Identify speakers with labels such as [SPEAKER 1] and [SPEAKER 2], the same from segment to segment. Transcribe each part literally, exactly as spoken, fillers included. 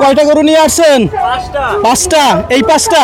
[SPEAKER 1] কয়টা গরু নিয়ে আসছেন? পাঁচটা। এই পাঁচটা?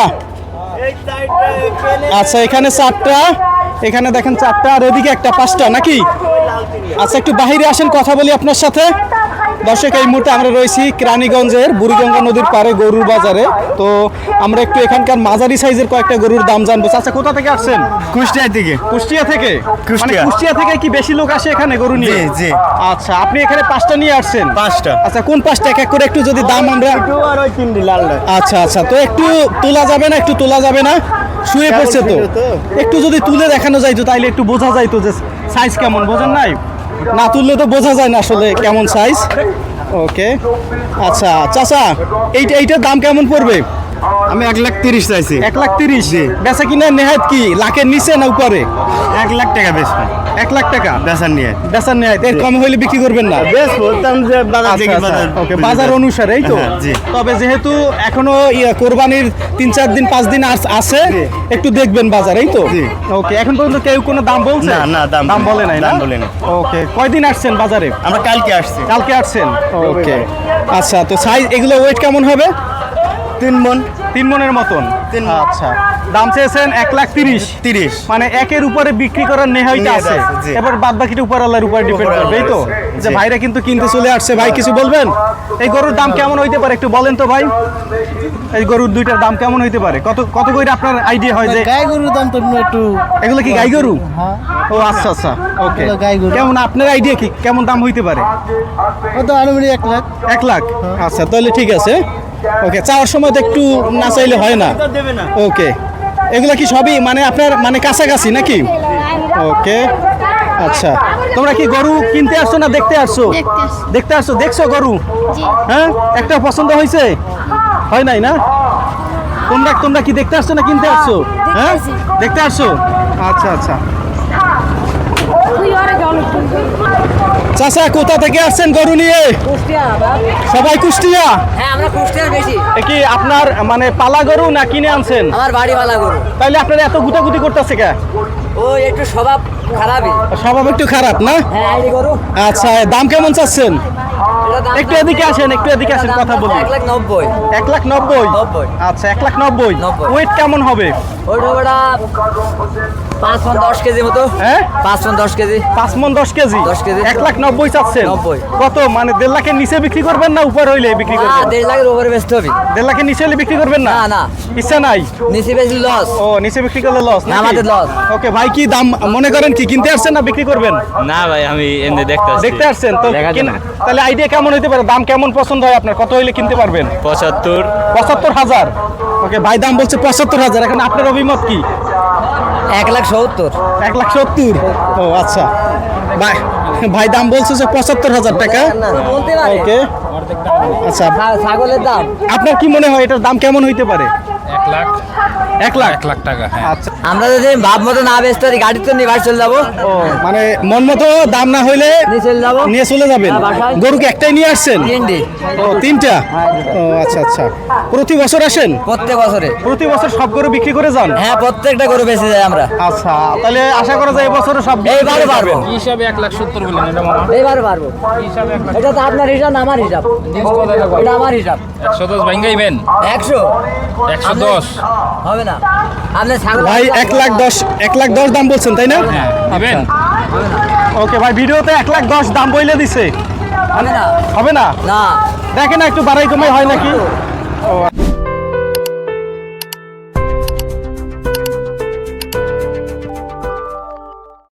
[SPEAKER 1] আচ্ছা, এখানে চারটা, এখানে দেখেন চারটা, আর এদিকে একটা, পাঁচটা নাকি? আচ্ছা, একটু বাহিরে আসেন, কথা বলি আপনার সাথে। দর্শক, এই মুহূর্তে আমরা রয়েছি কেরানীগঞ্জের বুড়িগঙ্গা নদীর পাড়ে গরুর বাজারে। তো আমরা একটু এখানকার মাঝারি সাইজের কয়েকটা গরুর দাম জানবো। আচ্ছা, কোথা থেকে আসছেন?
[SPEAKER 2] কুষ্টিয়া থেকে।
[SPEAKER 1] কুষ্টিয়া থেকে?
[SPEAKER 2] কুষ্টিয়া।
[SPEAKER 1] মানে কুষ্টিয়া থেকে কি বেশি লোক আসে এখানে গরু নিয়ে?
[SPEAKER 2] জি জি।
[SPEAKER 1] আচ্ছা, আপনি এখানে পাঁচটা নিয়ে আসছেন?
[SPEAKER 2] পাঁচটা।
[SPEAKER 1] আচ্ছা, কোন পাঁচটা এক এক করে একটু যদি দাম আমরা।
[SPEAKER 2] আর ওই তিনটি লাল লাল।
[SPEAKER 1] আচ্ছা আচ্ছা, তো একটু তোলা যাবে না? একটু তোলা যাবে না? শুয়ে পড়ছে তো, একটু যদি তুলে দেখানো যাইতো তাইলে একটু বোঝা যাইতো যে সাইজ কেমন। বোঝেন নাই? না তুললে তো বোঝা যায় না আসলে কেমন সাইজ। ওকে, আচ্ছা চাচা, এইটা এইটার দাম কেমন পড়বে?
[SPEAKER 2] আমি এক লাখ তিরিশ চাইছি।
[SPEAKER 1] এক লাখ তিরিশ? বেচা কিনা নেহাত কি লাখের নিচে না উপরে?
[SPEAKER 2] এক লাখ টাকা বেশ
[SPEAKER 1] এক লাখ টাকা
[SPEAKER 2] বেচার নিয়ে।
[SPEAKER 1] বেচার নেহাত, এর কম হইলে বিক্রি করবেন না?
[SPEAKER 2] বেশ বলতাম যে বাজার
[SPEAKER 1] আচ্ছা,
[SPEAKER 2] থেকে
[SPEAKER 1] আচ্ছা,
[SPEAKER 2] বাজার।
[SPEAKER 1] ওকে, বাজার অনুসারে, এই তো।
[SPEAKER 2] হ্যাঁ, জি।
[SPEAKER 1] তবে যেহেতু এখনো ইয়ে কোরবানির তিন চার দিন পাঁচ দিন আস- আছে,
[SPEAKER 2] জি।
[SPEAKER 1] একটু দেখবেন বাজার, এই তো।
[SPEAKER 2] জি।
[SPEAKER 1] ওকে, এখন পর্যন্ত কেউ কোনো দাম বলছে?
[SPEAKER 2] না, না, দাম
[SPEAKER 1] দাম
[SPEAKER 2] বলে
[SPEAKER 1] বলে নাই,
[SPEAKER 2] দাম
[SPEAKER 1] না?
[SPEAKER 2] বলে নাই।
[SPEAKER 1] ওকে, কয়দিন আসছেন বাজারে?
[SPEAKER 2] আমরা কালকে আসছি।
[SPEAKER 1] কালকে আসছেন? ওকে, আচ্ছা, তো সাইজ এগুলো ওয়েট কেমন হবে?
[SPEAKER 2] তিন মন।
[SPEAKER 1] তিন মনের মতন?
[SPEAKER 2] তিন মণ।
[SPEAKER 1] আচ্ছা, দাম চেয়েছেন এক লাখ তিরিশ?
[SPEAKER 2] তিরিশ।
[SPEAKER 1] মানে একের উপরে বিক্রি করার নেহাইটা
[SPEAKER 2] নেহাত
[SPEAKER 1] আছে,
[SPEAKER 2] আছে, জি।
[SPEAKER 1] এবার বাদ বাকিটা উপর আল্লাহর উপর ডিপেন্ড
[SPEAKER 2] উপর
[SPEAKER 1] করবে, এই তো।
[SPEAKER 2] আল্লাহর আছে,
[SPEAKER 1] যে
[SPEAKER 2] জি।
[SPEAKER 1] ভাইরা কিন্তু কিনতে চলে আসছে। ভাই কিছু বলবেন? এই গরুর দাম কেমন হইতে পারে একটু বলেন তো ভাই। এই গরুর দুইটার দাম কেমন হইতে পারে? কত কত করে আপনার আইডিয়া হয় যে?
[SPEAKER 3] গাই গরুর দাম তো একটু।
[SPEAKER 1] এগুলো কি গাই গরু?
[SPEAKER 3] হ্যাঁ,
[SPEAKER 1] ও আচ্ছা আচ্ছা, ওকে।
[SPEAKER 3] এগুলো গাই গরু।
[SPEAKER 1] কেমন আপনার আইডিয়া কি কেমন দাম হইতে পারে?
[SPEAKER 3] ও তো আনুমানিক এক লাখ।
[SPEAKER 1] এক লাখ? আচ্ছা, তাহলে ঠিক আছে। ওকে, চাওয়ার সময় তো একটু না চাইলে হয় না।
[SPEAKER 2] দেবে না।
[SPEAKER 1] ওকে, এগুলা কি সবই মানে আপনার মানে কাছাকাছি নাকি? ওকে, আচ্ছা, তোমরা কি গরু কিনতে আসছো না দেখতে আসছো?
[SPEAKER 4] দেখতে আসছি।
[SPEAKER 1] দেখতে আসছো, দেখছো গরু?
[SPEAKER 4] জি।
[SPEAKER 1] হ্যাঁ, একটা পছন্দ হয়েছে? হয় নাই না? তোমরা তোমরা কি দেখতে আসছো না কিনতে আসছো? হ্যাঁ,
[SPEAKER 4] আসছি।
[SPEAKER 1] দেখতে আসছো। আচ্ছা আচ্ছা, চাচা কোথা থেকে আসছেন গরু নিয়ে?
[SPEAKER 5] কুষ্টিয়া বাপ।
[SPEAKER 1] সবাই কুষ্টিয়া?
[SPEAKER 5] হ্যাঁ, আমরা কুষ্টিয়ার বেশি।
[SPEAKER 1] এ কি আপনার মানে পালা গরু না কিনে আনছেন?
[SPEAKER 5] আমার বাড়িওয়ালা গরু।
[SPEAKER 1] তাইলে আপনারা এত গুতাগুতি করতেছে কে?
[SPEAKER 5] ও একটু স্বভাব খারাপই।
[SPEAKER 1] স্বভাব একটু খারাপ না?
[SPEAKER 5] হ্যাঁ, আইডি গরু।
[SPEAKER 1] আচ্ছা, দাম কেমন চাচ্ছেন?
[SPEAKER 5] এটা দাম
[SPEAKER 1] একটু এদিকে আসেন, একটু এদিকে আসেন, কথা বলি।
[SPEAKER 5] এক লাখ নব্বই।
[SPEAKER 1] এক লাখ নব্বই?
[SPEAKER 5] নব্বই।
[SPEAKER 1] আচ্ছা, এক লাখ নব্বই।
[SPEAKER 5] নব্বই।
[SPEAKER 1] ওয়েট কেমন হবে?
[SPEAKER 5] ওইটা ওটা পাঁচ মন দশ কেজি মতো।
[SPEAKER 1] হ্যাঁ,
[SPEAKER 5] পাঁচ মন দশ কেজি।
[SPEAKER 1] পাঁচ মন দশ কেজি?
[SPEAKER 5] দশ কেজি।
[SPEAKER 1] এক লাখ নব্বই চাচ্ছেন?
[SPEAKER 5] নব্বই।
[SPEAKER 1] কত মানে দেড় লাখের নিচে বিক্রি করবেন না উপর হইলে বিক্রি
[SPEAKER 5] না,
[SPEAKER 1] করবেন?
[SPEAKER 5] দেড় লাখের উপরে বেচতে হবে।
[SPEAKER 1] দেড় লাখের নিচে হলে বিক্রি করবেন না?
[SPEAKER 5] না, না।
[SPEAKER 1] ইচ্ছা নাই?
[SPEAKER 5] নিচে বেশি লস।
[SPEAKER 1] ও, নিচে বিক্রি করলে লস?
[SPEAKER 5] না, আমাদের loss।
[SPEAKER 1] ওকে ভাই, কি দাম মনে করেন? কি কিনতে আসছেন না বিক্রি করবেন?
[SPEAKER 6] না ভাই, আমি এমনি দেখতে আসছি।
[SPEAKER 1] দেখতে আসছেন তো?
[SPEAKER 6] দেখার
[SPEAKER 1] কিন-
[SPEAKER 6] জন্য।
[SPEAKER 1] তাহলে আইডিয়া কেমন হইতে পারে? দাম কেমন পছন্দ হয় আপনার? কত হইলে কিনতে পারবেন?
[SPEAKER 6] পঁচাত্তর।
[SPEAKER 1] পঁচাত্তর হাজার? ওকে, ভাই দাম বলছে পঁচাত্তর হাজার, এখন আপনার অভিমত কি?
[SPEAKER 5] এক লাখ সত্তর।
[SPEAKER 1] এক লাখ সত্তর? ও আচ্ছা, ভাই ভাই দাম বলছে যে পঁচাত্তর হাজার টাকা।
[SPEAKER 5] বলতে পারে।
[SPEAKER 1] ওকে, আচ্ছা,
[SPEAKER 5] ছা- ছাগলের দাম।
[SPEAKER 1] আপনার কি মনে হয় এটার দাম কেমন হইতে পারে?
[SPEAKER 6] এক লাখ।
[SPEAKER 1] এক লাখ?
[SPEAKER 6] এক লাখ টাকা, হ্যাঁ।
[SPEAKER 1] আচ্ছা,
[SPEAKER 5] আমরা যদি ভাব মতো না বেচতে পারি, গাড়ি তো নিয়ে বাড়ি চলে যাবো।
[SPEAKER 1] ও মানে মন মতো দাম না হইলে
[SPEAKER 5] নিয়ে চলে যাবো।
[SPEAKER 1] নিয়ে চলে যাবেন?
[SPEAKER 5] হ্যাঁ, বাসায়।
[SPEAKER 1] গরু কি একটাই নিয়ে আসছেন?
[SPEAKER 5] তিনটি।
[SPEAKER 1] ও, তিনটা? ও আচ্ছা আচ্ছা, প্রতি বছর আসেন?
[SPEAKER 5] প্রত্যেক বছরে।
[SPEAKER 1] প্রতি বছর সব গরু বিক্রি করে যান?
[SPEAKER 5] হ্যাঁ, প্রত্যেকটা গরু বেঁচে যায় আমরা।
[SPEAKER 1] আচ্ছা, তাহলে আশা করা যায় এবছরও সব বিক্রি
[SPEAKER 5] এইবারে
[SPEAKER 1] করে
[SPEAKER 5] পারবো।
[SPEAKER 1] যাবেন?
[SPEAKER 6] হিসাবে এক লাখ সত্তর বললেন, এটা মামা?
[SPEAKER 5] এইবারে পারবো। এটা তো আপনার হিসাব না আমার হিসাব। এটা আমার হিসাব।
[SPEAKER 6] একশো দশ ভাঙ্গাইবেন?
[SPEAKER 5] একশো।
[SPEAKER 6] একশো দশ
[SPEAKER 5] হবে না। আপনি ছাগল।
[SPEAKER 1] ভাই এক লাখ দশ, এক লাখ দশ দাম বলছেন তাই না?
[SPEAKER 6] হ্যাঁ, দিবেন?
[SPEAKER 1] ওকে ভাই, ভিডিওতে এক লাখ দশ দাম বইলে দিছে,
[SPEAKER 5] হবে না।
[SPEAKER 1] হবে না?
[SPEAKER 5] না।
[SPEAKER 1] দেখেন না একটু বাড়াই কমাই হয় নাকি? ও